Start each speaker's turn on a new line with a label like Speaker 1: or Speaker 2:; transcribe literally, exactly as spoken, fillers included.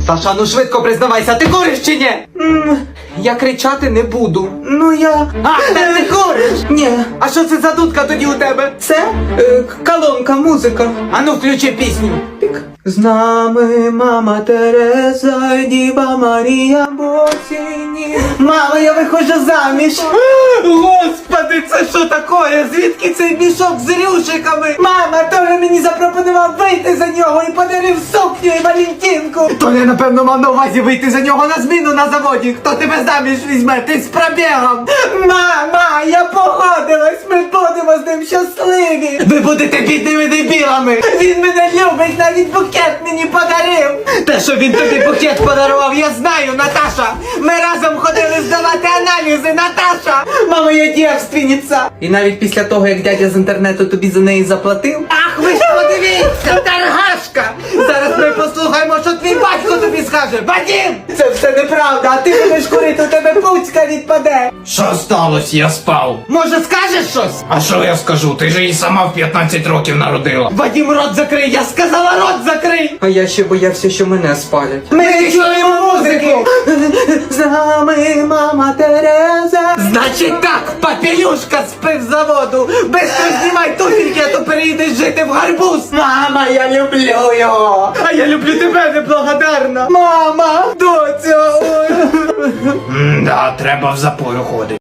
Speaker 1: Таша, ну швидко признавайся, ти куриш чи ні? М, Я кричати не буду. Ну я... А, ти не куриш? Ні. А що це за дудка тоді у тебе? Це е, колонка, музика. А ну включи пісню. Пік. З нами мама Тереза, Діва Марія Босіні. Мама, я виходжу заміж. Господи, це що таке? Звідки цей мішок з рюшиками? Мама, Толя мені запропонував вийти за нього і подарив сукню і валентинку. Толя, напевно, мав на увазі вийти за нього на зміну на заводі. Хто тебе заміж візьме? Ти з пробігом. Мама, я погодилась, ми будемо з ним щасливі. Ви будете бідними дебілами. Він мене любить, навіть букет мені подарив. Те, що він тобі букет подарував, я знаю, Наташа. Ми разом ходили здавати аналізи, Наташа. Мама, я дівственниця. І навіть після того, як дядя з інтернету тобі за неї заплатив. Ах, ви ж подивіться, торгашка. Зараз ми послухаємо, що твій батько тобі скаже. Вадим! Це все неправда, а ти будеш курити, у тебе пуцька відпаде.
Speaker 2: Що сталося? Я спав.
Speaker 1: Може, скажеш щось?
Speaker 2: А що я скажу? Ти ж її сама в п'ятнадцять років народила.
Speaker 1: Вадим, рот закрий, я сказала, рот закрий! А я ще боявся, що мене спалять. Ми не чуємо музику! З нами мама Тереза. Значить так, папілюшка з пивзаводу. Быстро знімай туфельки, а то переїдеш жити в гарбуз. Мама, я люблю його. А я люблю тебе, неблагодарна. Мама, доця.
Speaker 2: М-да, треба в запою ходити.